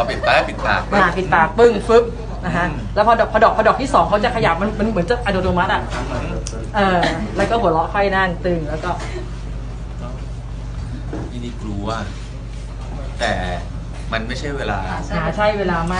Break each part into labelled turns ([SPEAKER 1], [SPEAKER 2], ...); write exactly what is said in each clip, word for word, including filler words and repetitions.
[SPEAKER 1] เขาปิดปากปิดปาก
[SPEAKER 2] อ่าปิดปากปึ้งฟึบนะฮะแล้วพอดอกพอดอกพอดอกที่สองเขาจะขยับมันมันเหมือนจะอัตโนมัติอ่ะเออแล้วก็หัวเราะค่อยนั่งตึงแล้วก็
[SPEAKER 1] นี่นี่กลัวแต่มันไม่ใช่เวลา
[SPEAKER 2] หาใช่เวลาไม่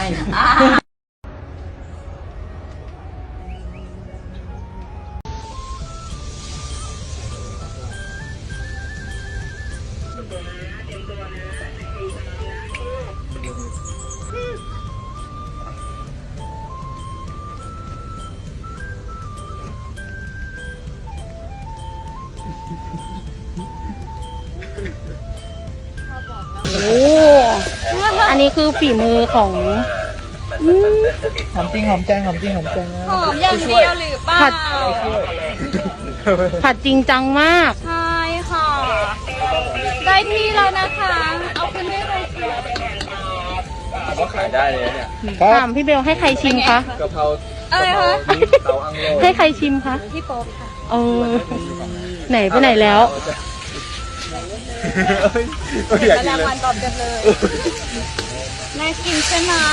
[SPEAKER 3] โอ้อันนี้คือฝีมือของ
[SPEAKER 4] หอมจริงหอมแจงหอมจริงหอมแจง
[SPEAKER 5] หอมอย่างเดียวหรือเปล่า
[SPEAKER 3] ผัด ผัดจริงจังมาก
[SPEAKER 5] ใช่ค่ะ ได้ที่แล้วนะคะ เอาขึ้นได้เลยค่ะ
[SPEAKER 1] ก็ขายได้เลยเนี่ย
[SPEAKER 3] ถามพี่เบลให้ใครชิมคะ
[SPEAKER 1] กะเพรา
[SPEAKER 5] อะไรคะ
[SPEAKER 1] เตาอังโล
[SPEAKER 3] ให้ใครชิมคะ
[SPEAKER 5] พี่โป๊ปค่ะ
[SPEAKER 3] เออไหนไปไหนแล้ว
[SPEAKER 1] อยากกิน
[SPEAKER 5] ราง
[SPEAKER 1] เลย
[SPEAKER 5] วัลตอบกันเลยน่ากินใช่ไหม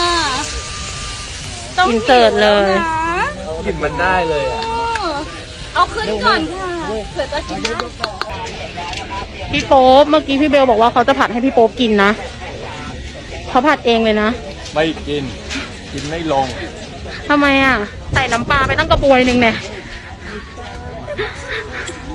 [SPEAKER 5] ต้อง
[SPEAKER 3] อินเสิร์ตเลย
[SPEAKER 5] หิวแวนะ
[SPEAKER 1] กลิ่นมันได้เลยอ่ะ
[SPEAKER 5] เออเอาขึ้นก่อนค่ะเผื่อจะกินได้
[SPEAKER 3] พี่โป๊ปเมื่อกี้พี่เบลบอกว่าเขาจะผัดให้พี่โป๊ปกินนะเขาผัดเองเลยนะ
[SPEAKER 1] ไม่กิน กินไม่ลง
[SPEAKER 3] ทำไมอ่ะ ใส่น้ำปลาไปตั้งกระบวยหนึ่งเนี่ย